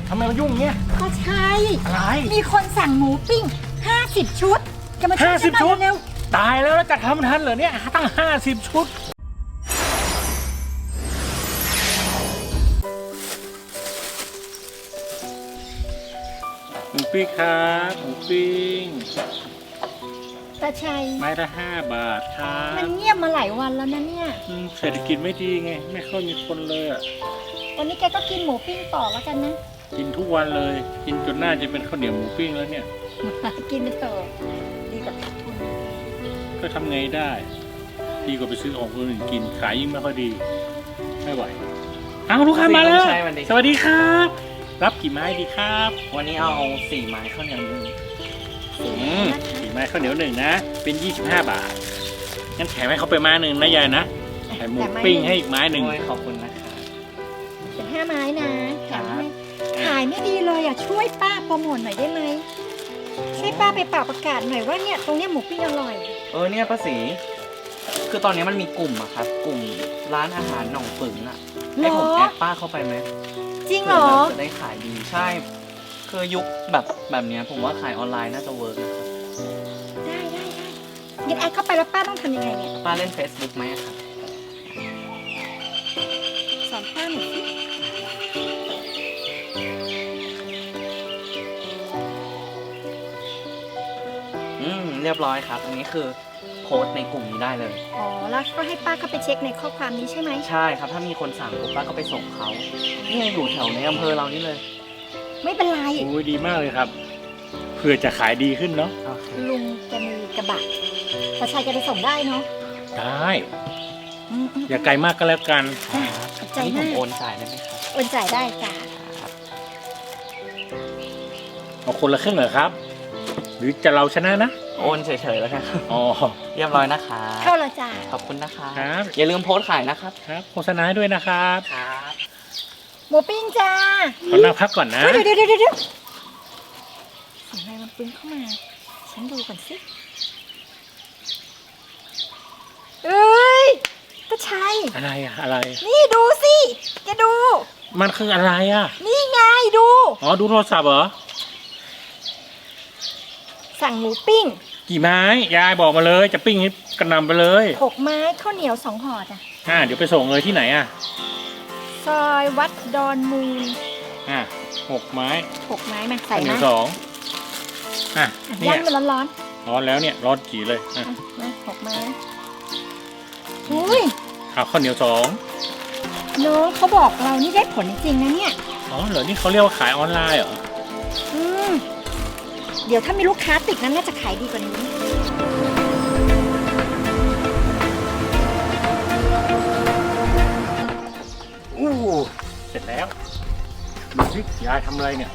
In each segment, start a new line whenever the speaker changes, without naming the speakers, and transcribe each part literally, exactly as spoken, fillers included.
ทำไมมันยุ่งเงี้ย
ก็ใช่
อะไร
มีคนสั่งหมูปิ้งห้าสิบชุดจะมาช่วยฉันหน่อยเร็ว
ตายแล้วแล้วจะทำทันเหรอเนี่ยตั้งห้าสิบชุดหมูปิ้งครับหมูปิ้ง
ตาชัย
ไม้ละห้าบาทครับ
มันเงียบมาหลายวันแล้วนะเนี่ย
เศรษฐกิจไม่ดีไงไม่ค่อยมีคนเลยอ่ะ
วันนี้แกก็กินหมูปิ้งต่อแล้วกันนะ
กินทุกวันเลยกินจนน่าจะเป็นข้าวเหนียวหมูปิ้งแล้วเนี่ย
กินไปเถอะดีกว่าขาดทุน
ก็ทำไงได้ดีกว่าไปซื้อของคนอื่นกินขายยิ่งไม่ค่อยดีไม่ไหวอ้าวลูกค้ามาแล้วสวัสดีครับรับกี่ไม้ดีครับ
วันนี้เอาสี่ไม้ข้าวเหนียวหนึ่ง
สี่ไม้ข้าวเหนียวหนึ่งนะเป็นยี่สิบห้าบาทงั้นแถมให้เขาไปไม้หนึ่งนะยายนะแถมหมูปิ้งให้อีกไม้หนึ่ง
ขอบคุณนะคะ
เป็นห้าไม้นะแถมให้ขายไม่ดีเลยอ่ะช่วยป้าโปรโมทหน่อยได้ไหมช่วยป้าไปเป่าประกาศหน่อยว่าเนี่ยตรงเนี้ยหมูปิ้งอร่อย
เออเนี่ยป้าศรีคือตอนนี้มันมีกลุ่มอะครับกลุ่มร้านอาหารหนองปึ๋งอะให้ผมแอดป้าเข้าไปไหม
จริงเหรอ
จะได้ขายดีใช่คือยุคแบบแบบนี้ผมว่าขายออนไลน์น่าจะเวิร์กนะครับ
ได้ได้ได้งั้นแอดเข้าไปแล้วป้าต้องทำยังไงเนี่ย
ป้าเล่น Facebook ไหมครับ
สอนป้าหน่อยสิ
อืมเรียบร้อยครับอันนี้คือโพสต์ในกลุ่มนี้ได้เลย
อ๋อแล้วก็ให้ป้าเข้าไปเช็คในข้อความนี้ใช่ไหม
ใช่ครับถ้ามีคนสั่งปุ๊บป้าก็ไปส่งเขาเนี่ยอยู่แถวในอำเภอเรานี่เลย
ไม่เป็นไร
โอ้ยดีมากเลยครับเพื่อจะขายดีขึ้นเนาะ
ลุงจะมีกระบะประชาชนจะไปส่งได้เนาะ
ได้อย่าไกลมากก็แล้วกัน
ขอบใจ
มาก
ผม
โอนจ่ายได้ไหมครับ
โอนจ่ายได้จ้า
เอาคนละครึ่งเหรอครับหรือจะเราชนะนะ
โอนเฉยๆแล้วครับ
อ๋อ
เรียบร้อยนะคะ
เข้าแล้วจ้า
ขอบคุณนะคะครับอย่าลืมโพสต์ขายนะครับ
ครับโฆษณาด้วยนะครับ
ครับ
หมูปิ้งจ้า
ขอนั่งพักก่อนนะ
เดี๋ยวเดี๋ยวเดี๋ยวเดี๋ยวเสียงอะไรมันปึ้งเข้ามาฉันดูก่อนสิเอ้ยตาชัย
อะไรอะอะไร
นี่ดูสิแกดู
มันคืออะไรอะ
นี่ไงดู
อ๋อดูโทรศัพท์เหรอ
สั่งหมูปิ้ง
กี่ไม้ยายบอกมาเลยจะปิ้งให้กระนำไปเลย
หกไม้ข้าวเหนียวสองห่อจ้ะ
อ่าเดี๋ยวไปส่งเลยที่ไหนอ่ะ
ซอยวัดดอนมูล
อ่าหกไม้
หกไม้มาใส่นะ
ข้าวเหนียวสองอ่ะ
ย่างมันร้อนร้อน
ร้อนแล้วเนี่ยร้อนจีเลยอ่ะ
มาหกไม้อุ้ย
เอาข้าวเหนียวสอง
น้องเขาบอกเรานี่ได้ผลจริงๆนะเนี่ย
อ๋อเหรอนี่เขาเรียกว่าขายออนไลน์เหรอ
อืมเดี๋ยวถ้ามีลูกค้าติดนั้นน่าจะขายดีกว่านี้
อู้เสร็จแล้วดูสิยายทำอะไรเนี่ย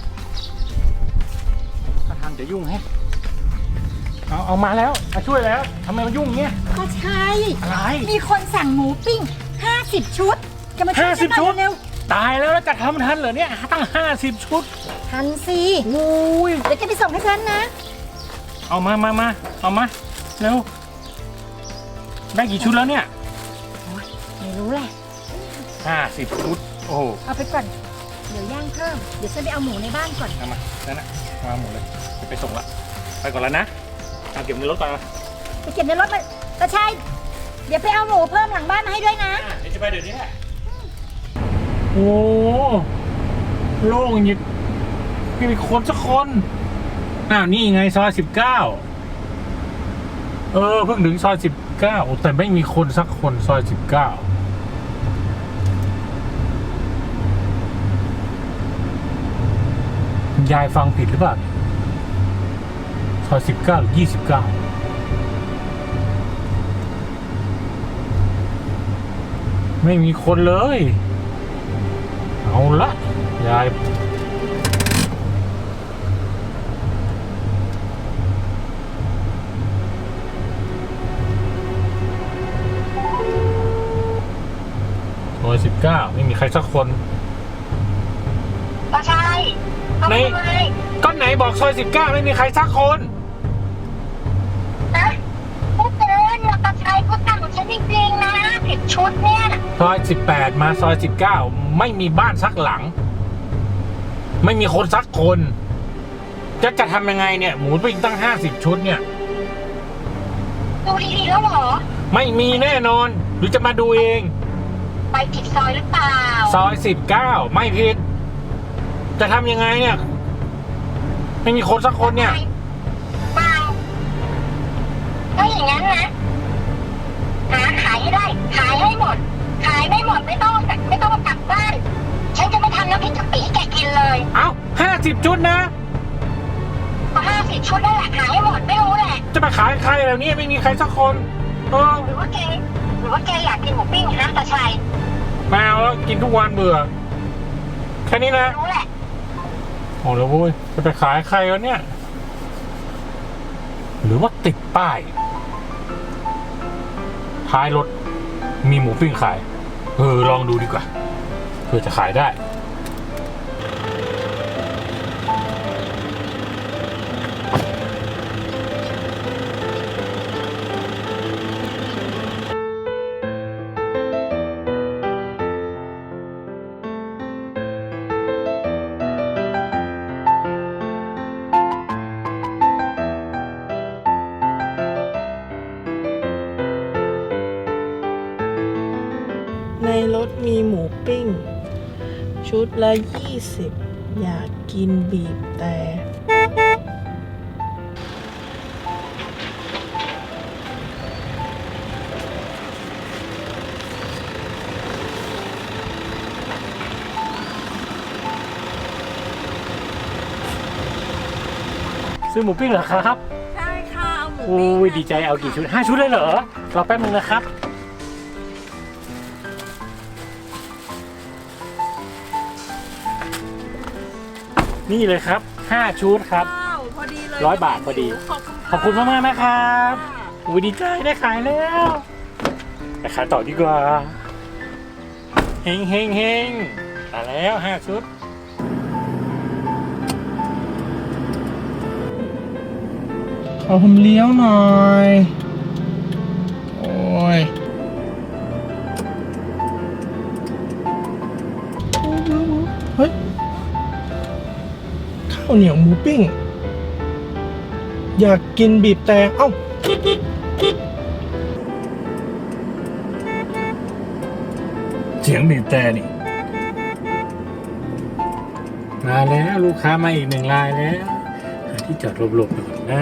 ถ้าทำจะยุ่งแฮะเอาเอามาแล้วมาช่วยแล้วทำไมมันยุ่งเงี้ย
ก็ใช่
อะไร
มีคนสั่งหมูปิ้งห้าสิบชุดจะมาช่วยฉันหน่อยเร็ว
ตายแล้วแล้วจะทำทันเหรอเนี่ยตั้งห้าสิบชุด
ทันสิ
โอ้ย
เดี๋ยวจะไปส่งให้ฉันนะ
เอามามามาเอามาเร็วได้กี่ชุดแล้วเนี่ย
ไม่รู้แหละ
ห้าสิบชุดโอ้
เอาไปก่อนเดี๋ยวย่างเพิ่มเดี๋ยวฉันไปเอาหมูในบ้านก่อน
เอามานั่นน่ะมาหมูเลยจะไปส่งละไปก่อนแล้วนะเอาเก็บในรถไป
ไปเก็บในรถไปตาชัยเดี๋ยวไปเอาหมูเพิ่มหลังบ้านมาให้ด้วยนะ
เดี๋ยวจะไปเดี๋ยวนี้แหละโอ้โล่งอย่างนี้ไม่มีคนสักคนอ้าวนี่ไงซอยสิบเก้าเออเพิ่งถึงซอยสิบเก้าแต่ไม่มีคนสักคนซอยสิบเก้ายายฟังผิดหรือเปล่าซอยสิบเก้าหรือยี่สิบเก้าไม่มีคนเลยเอาละยายซอยสิบเก้าไม่มีใครสักคน
ก็ใช่
ในก็ไหนบอกซอยสิบเก้าไม่มีใครสักคน
นะพูดเกินเราตาชัยเขาสั่งฉันจริงๆนะผิดชุดเนี่ย
ซอยสิบแปดมาซอยสิบเก้าไม่มีบ้านสักหลังไม่มีคนสักคนจะจะทำยังไงเนี่ยหมูปิ้งตั้งห้าสิบชุดเนี่ย
ดูดีๆแล้วเหรอ
ไม่มีแน่นอน หรือจะมาดูเอง
ไปผิดซอยหรือเปล่า
ซอยสิบเก้าไม่ผิดจะทำยังไงเนี่ยไม่มีคนสักคนเนี่ย
เปล่าถ้าอย่างนั้นนะหาขายให้ได้ขายให้หมด ขายไม่หมดไม่ต้องไม่ต้องกลับบ้านฉันจะไม่ทำน้ำพริกกะปิให้แกกินเลย
เอ้าห้าสิบชุดนะ
ก็ห้าสิบชุดนั่นแหละขายให้หมดไม่รู้แหละ
จะมาขายใครแล้วเนี่ยไม่มีใครสักคนเออ
หรือว่าแกหรือว่าแกอยากกินหมูปิ้งนะตาชัย
แมวแล้วกินทุกวันเบื่อแค่นี้นะ
รู้แหละ
โอ้แล้วเว้ยจะไปขายใครวะเนี่ยหรือว่าติดป้ายท้ายรถมีหมูปิ้งขายเออลองดูดีกว่าเพื่อจะขายได้
ในรถมีหมูปิ้ง ชุดละยี่สิบอยากกินบีบแต่
ซื้อหมูปิ้งเหรอครับ
ใช่ค่ะเอาหมู
โอ้ยดีใจเอากี่ชุดห้าชุดเลยเหรอรอแป๊บนึงนะครับนี่เลยครับห้าชุดครับ
ว้าวพอดีเลย
ร้อยบาทพอดี
ขอบคุณ
ขอบคุณมากมากๆนะครับโอ้ยดีใจได้ขายแล้วไปขายต่อดีกว่าเฮงเฮงเฮงมาแล้วห้าชุดขอผมเลี้ยวหน่อยโอ้ยเฮ้ยข้าวเหนียวหมูปิ้งอยากกินบีบแต่เอ้าเสียงบีบแต่นี่มาแล้วลูกค้ามาอีกหนึ่งรายแล้วหาที่จอดหลบๆหน่อยนะ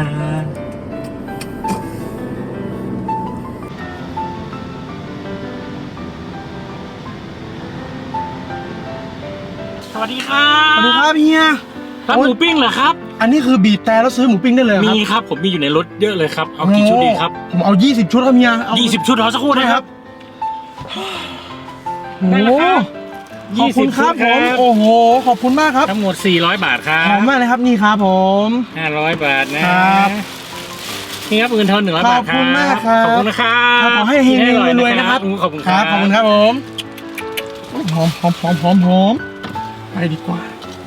สวัสดีครับ
สวัสดีครับเฮีย
ร้านหมูปิ้งเหรอครับ
อันนี้คือบีบแต่แล้วซื้อหมูปิ้งได้เลยเหรอครับ
มีครับผมมีอยู่ในรถเยอะเลยครับเอากี่ชุดดีครับ
ผมเอายี่สิบชุดครับเฮียเอา
ยี่สิบชุดรอสักครู่นะครับ
โอ้
ได้
โห
แล้วครับ
ขอบคุณครับ
ยี่
ผ
สิบชุด
มโอ้โหขอบคุณมากครับ
ทั้งหมดสี่ร้อยบาทครั
หอม
บ
มากเลยครับนี่ครับผม
ห้าร้อยบาทนะครับ นี่ครับเงินทอนหนึ่งร้อยบาทครับ
ขอบคุณมากครับ
ขอบคุณนะครับ
ครับขอให้เฮงๆรวยๆนะครับ
ขอบคุณ
ค
ค
รั
รั
บบ ขอบคุณครับผมหอมหอมหอมหอมหอมไปดีกว่า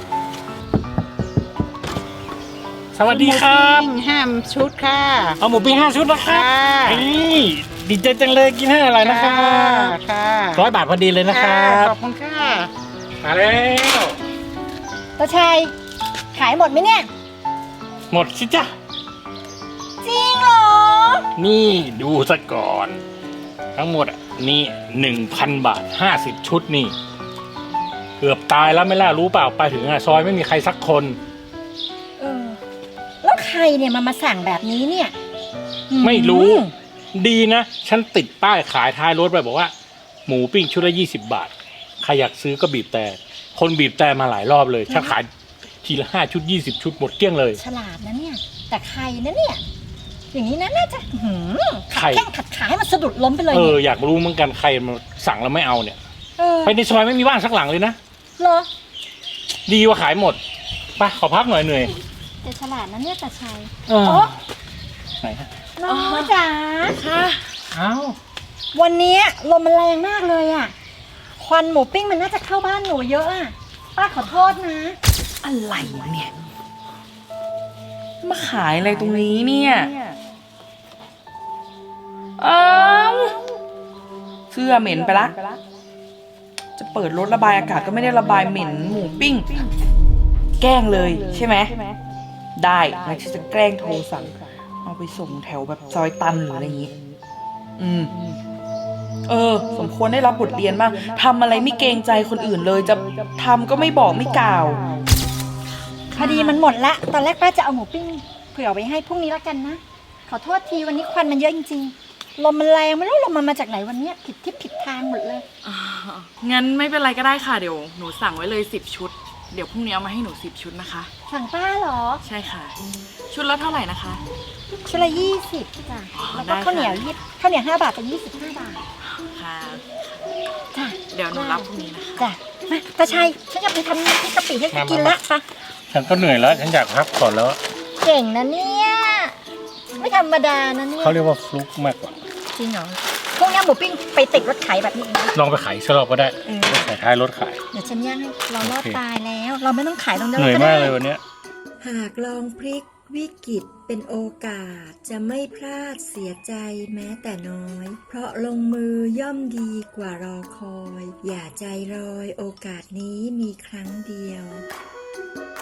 สวัสดีครับ
ห้ามชุดค่ะ
เอาหมูปิ้งห้าชุดนะครับ
ค่ะ
นี่ดีใจจังเลยกินให้อร่อยนะครับ
ค่ะ
ร้อยบาทพอดีเลยนะครับ
ขอบคุณค่ะ
มาแล้ว
ตาชัยขายหมดไหมเนี่ย
หมดสิจ้ะ
จริงเหรอ
นี่ดูซะก่อน ทั้งหมดอ่ะนี่หนึ่งพันบาทห้าสิบชุดนี่ เกือบตายแล้วไม่ล่ะรู้เปล่าไปถึงอ่ะซอยไม่มีใครสักคน
เออ แล้วใครเนี่ยมามาสั่งแบบนี้เนี่ย
ไม่รู้
อืม
ดีนะ ฉันติดป้ายขายท้ายรถไปบอกว่า หมูปิ้งชุดละยี่สิบบาท ใครอยากซื้อก็บีบแต่ คนบีบแต่มาหลายรอบเลย ฉันขายทีละห้าชุดยี่สิบชุดหมดเกลี้ยงเลย
ฉลาดนะเนี่ย แต่ใครนะเนี่ย อย่างนี้นะน่าจะหืม
ใคร
ขัดแข้งขัดขาให้มันสะดุดล้มไปเลย
เออ
เนี่ย
อยากรู้เหมือนกันใครมาสั่งแล้วไม่เอาเนี่ย
เออ
ไปในซอยไม่มีบ้านสักหลังเลยนะ
เหรอ
ดีว่าขายหมดไปขอพักหน่อยเหนื่อย
แต่ฉลาดนะเนี่ยตาชัย
เออ
โอ้
ไหนฮะ
น้องจ๋า
ค่ะ
เอ้า
วันนี้ลมมันแรงมากเลยอ่ะ ควันหมูปิ้งมันน่าจะเข้าบ้านหนูเยอะอ่ะ ป้าขอโทษนะ
อะไรเนี่ย มาขายอะไรตรงนี้เนี่ยเอ้าเสื้อเหม็นไปละ จะเปิดรถระบายอากาศก็ไม่ได้ระบายเหม็นหมูปิ้งแกล้งเลยใช่ไหมได้แล้วฉันจะแกล้งโทรสั่งเอาไปส่งแถวแบบซอยตันหรืออะไรอย่างงี้อืมเออสมควรได้รับบทเรียนบ้างทำอะไรไม่เกรงใจคนอื่นเลยจะทำก็ไม่บอกไม่กล่าว
พอดีมันหมดละตอนแรกป้าจะเอาหมูปิ้งเผื่อไว้ให้พรุ่งนี้แล้วกันนะขอโทษทีวันนี้ควันมันเยอะจริงๆลมมันแรงไม่รู้ลมมันมาจากไหนวันนี้ผิดทิศผิดทางหมดเลย
งั้นไม่เป็นไรก็ได้ค่ะเดี๋ยวหนูสั่งไว้เลยสิบชุดเดี๋ยวพรุ่งนี้เอามาให้หนูสิบชุดนะคะ
สั่งป้าเหรอ
ใช่ค่ะ ชุดละเท่าไหร่นะคะ
ชุดละยี่สิบจ้ะแล้ว
ได้
ก็
ค่ะ
ข้าวเหนียวยี่ข้าวเหนียวห้าบาทเป็นยี่สิบห้าบาท
ค่ะ
จ้ะ
เดี๋ยวหนูรับพรุ่งนี้นะคะ
จ้ะมาตาชัยฉันจะไปทำน้ำพริกกะปิให้กินละไป
ฉันก็เหนื่อยแล้ว ฉันอยากพักก่อนแล้ว
เก่งนะเนี่ยไม่ธรรมดานะเนี่ย
เขาเรียกว่าฟลุกมากกว่า
จริงเหรอพวกนี้หมูปิ้งไปติดรถขายแบบนี้อีกนะ
ลองไปขายสลับก็ได้
เออ
รถขายท้ายรถขาย
เดี๋ยวฉันย่างให้เรารอด
โอเค
ตายแล้ว เราไม่ต้องขายตรงนั้น
เหนื่อย
ก็
มา
ได้
กเลยวันเนี้ย
หากลองพลิกวิกฤตเป็นโอกาสจะไม่พลาดเสียใจแม้แต่น้อย เพราะลงมือย่อมดีกว่ารอคอย อย่าใจลอยโอกาสนี้มีครั้งเดียว